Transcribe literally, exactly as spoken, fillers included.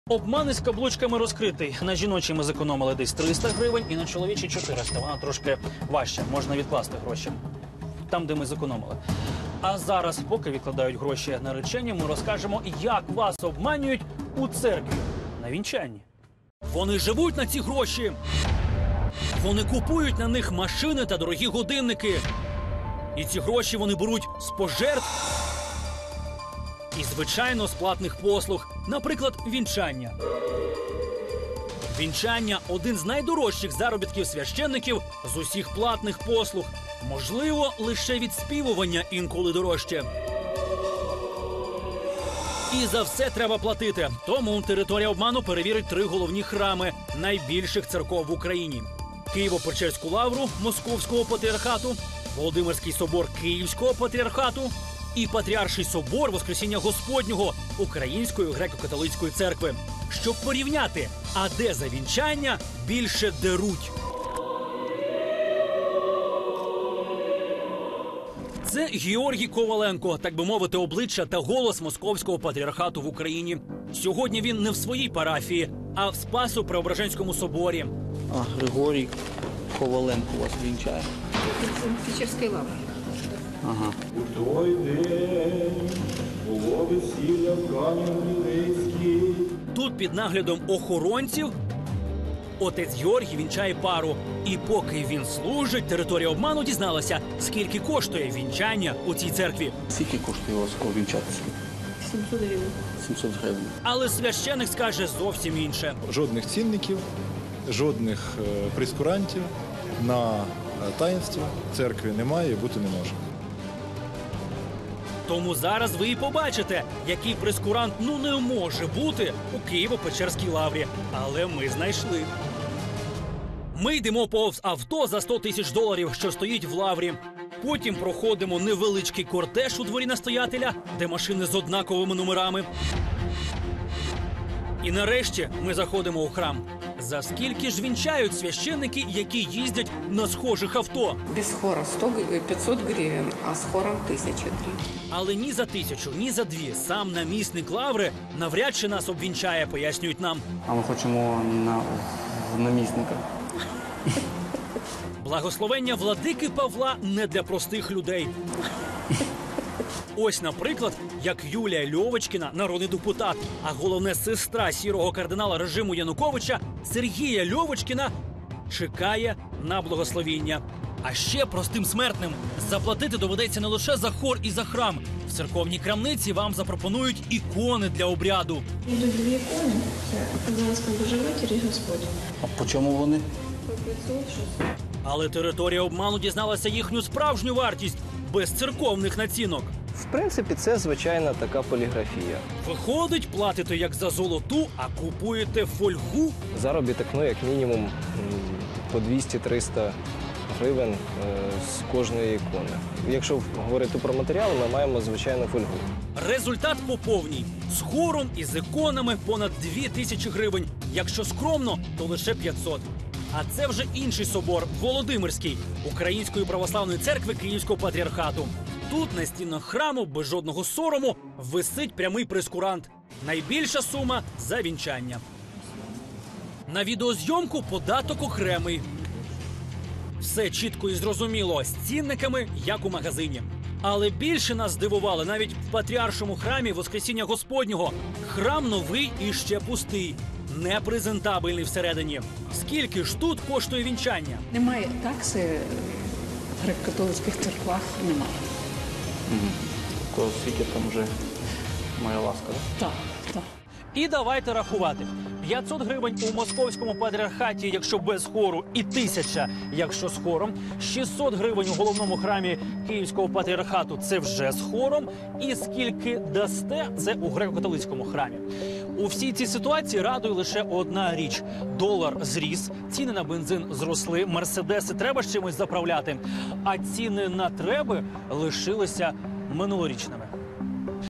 Обман із каблучками розкритий. На жіночій ми зекономили десь триста гривень і на чоловічій чотириста. Вона трошки важча, можна відкласти гроші. Там, де ми зекономили. А зараз, поки відкладають гроші наречені, ми розкажемо, як вас обманюють у церкві на вінчанні. Вони живуть на ці гроші. Вони купують на них машини та дорогі годинники. І ці гроші вони беруть з пожертв і, звичайно, з платних послуг. Наприклад, вінчання. Вінчання – один з найдорожчих заробітків священників з усіх платних послуг. Можливо, лише відспівування інколи дорожче. І за все треба платити. Тому територія обману перевірить три головні храми найбільших церков в Україні. Києво-Печерську лавру Московського патріархату, Володимирський собор Київського патріархату і Патріарший собор Воскресіння Господнього Української греко-католицької церкви. Щоб порівняти, а де за вінчання більше деруть. Це Георгій Коваленко, так би мовити, обличчя та голос Московського патріархату в Україні. Сьогодні він не в своїй парафії, а в Спасо-Преображенському соборі. А Григорій Коваленко у вас вінчає? В Печерській лаврі. Ага. У той день було весілля в Кам'янці. Тут під наглядом охоронців отець Георгій вінчає пару. І поки він служить, територія обману дізналася, скільки коштує вінчання у цій церкві. Скільки коштує у вас вінчатися? сімсот гривень. сімсот гривень. Але священик скаже зовсім інше. Жодних цінників, жодних е, прескурантів на е, таїнство в церкві немає і бути не може. Тому зараз ви і побачите, який прескурант ну не може бути у Києво-Печерській лаврі. Але ми знайшли. Ми йдемо повз авто за сто тисяч доларів, що стоїть в лаврі. Потім проходимо невеличкий кортеж у дворі настоятеля, де машини з однаковими номерами. І нарешті ми заходимо у храм. За скільки ж вінчають священники, які їздять на схожих авто? Без хора сто, пятьсот гривень, а з хором тисяча гривень. Але ні за тисячу, ні за дві сам намісник лаври навряд чи нас обвінчає, пояснюють нам. А ми хочемо на в намісника. Благословення владики Павла не для простих людей. Ось, наприклад, як Юлія Льовочкіна, народний депутат, а головне сестра сірого кардинала режиму Януковича Сергія Льовочкіна чекає на благословіння. А ще простим смертним заплатити доведеться не лише за хор і за храм. В церковній крамниці вам запропонують ікони для обряду. Йдуть дві ікони. Це Казанська Божевматір і Господь. А по чому вони? По п'ятсот шістсот. Але територія обману дізналася їхню справжню вартість без церковних націнок. В принципі, це звичайна така поліграфія. Виходить, платите як за золоту, а купуєте фольгу? Заробіток, ну, як мінімум, м, по двісті-триста гривень е, з кожної ікони. Якщо говорити про матеріали, ми маємо звичайну фольгу. Результат по повній. З хором і з іконами понад дві тисячі гривень. Якщо скромно, то лише п'ятсот. А це вже інший собор – Володимирський, Української православної церкви Київського патріархату. Тут на стінах храму без жодного сорому висить прямий прескурант. Найбільша сума – за вінчання. На відеозйомку податок окремий. Все чітко і зрозуміло, з цінниками, як у магазині. Але більше нас здивували навіть в Патріаршому храмі Воскресіння Господнього. Храм новий і ще пустий. Непрезентабельний всередині. Скільки ж тут коштує вінчання? Немає такси в греко-католицьких церквах, немає. То скільки там вже моя ласка, так? Так, так. І давайте рахувати. п'ятсот гривень у Московському патріархаті, якщо без хору, і тисяча, якщо з хором. шістсот гривень у головному храмі Київського патріархату – це вже з хором. І скільки дасте – це у греко-католицькому храмі. У всій цій ситуації радує лише одна річ. Долар зріс, ціни на бензин зросли, мерседеси треба з чимось заправляти. А ціни на треби лишилися минулорічними.